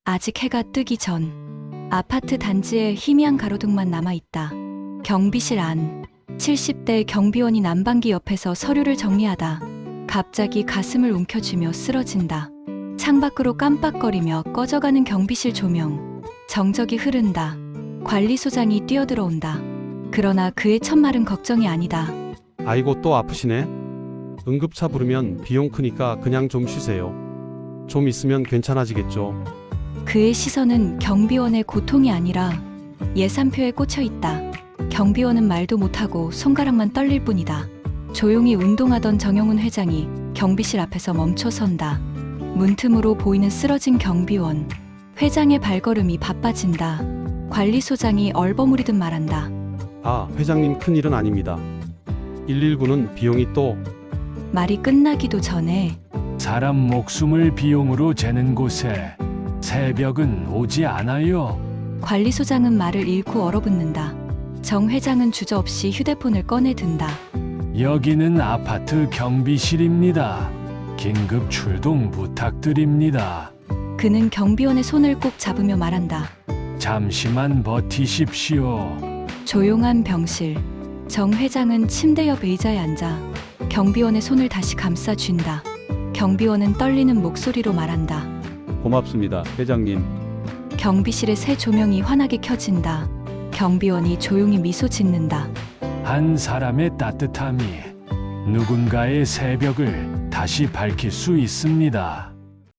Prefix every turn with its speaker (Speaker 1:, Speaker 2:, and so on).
Speaker 1: 아직 해가 뜨기 전 아파트 단지에 희미한 가로등만 남아있다. 경비실 안 70대 경비원이 난방기 옆에서 서류를 정리하다 갑자기 가슴을 움켜쥐며 쓰러진다. 창밖으로 깜빡거리며 꺼져가는 경비실 조명. 정적이 흐른다. 관리소장이 뛰어들어온다. 그러나 그의 첫말은 걱정이 아니다.
Speaker 2: 아이고 또 아프시네. 응급차 부르면 비용 크니까 그냥 좀 쉬세요. 좀 있으면 괜찮아지겠죠.
Speaker 1: 그의 시선은 경비원의 고통이 아니라 예산표에 꽂혀 있다. 경비원은 말도 못하고 손가락만 떨릴 뿐이다. 조용히 운동하던 정영훈 회장이 경비실 앞에서 멈춰선다. 문틈으로 보이는 쓰러진 경비원. 회장의 발걸음이 바빠진다. 관리소장이 얼버무리듯 말한다.
Speaker 2: 아, 회장님 큰일은 아닙니다. 119는 비용이 또
Speaker 1: 말이 끝나기도 전에
Speaker 3: 사람 목숨을 비용으로 재는 곳에 새벽은 오지 않아요.
Speaker 1: 관리소장은 말을 잃고 얼어붙는다. 정 회장은 주저없이 휴대폰을 꺼내 든다.
Speaker 3: 여기는 아파트 경비실입니다. 긴급 출동 부탁드립니다.
Speaker 1: 그는 경비원의 손을 꼭 잡으며 말한다.
Speaker 3: 잠시만 버티십시오.
Speaker 1: 조용한 병실. 정 회장은 침대 옆 의자에 앉아 경비원의 손을 다시 감싸쥔다. 경비원은 떨리는 목소리로 말한다.
Speaker 4: 고맙습니다, 회장님.
Speaker 1: 경비실의 새 조명이 환하게 켜진다. 경비원이 조용히 미소 짓는다.
Speaker 3: 한 사람의 따뜻함이 누군가의 새벽을 다시 밝힐 수 있습니다.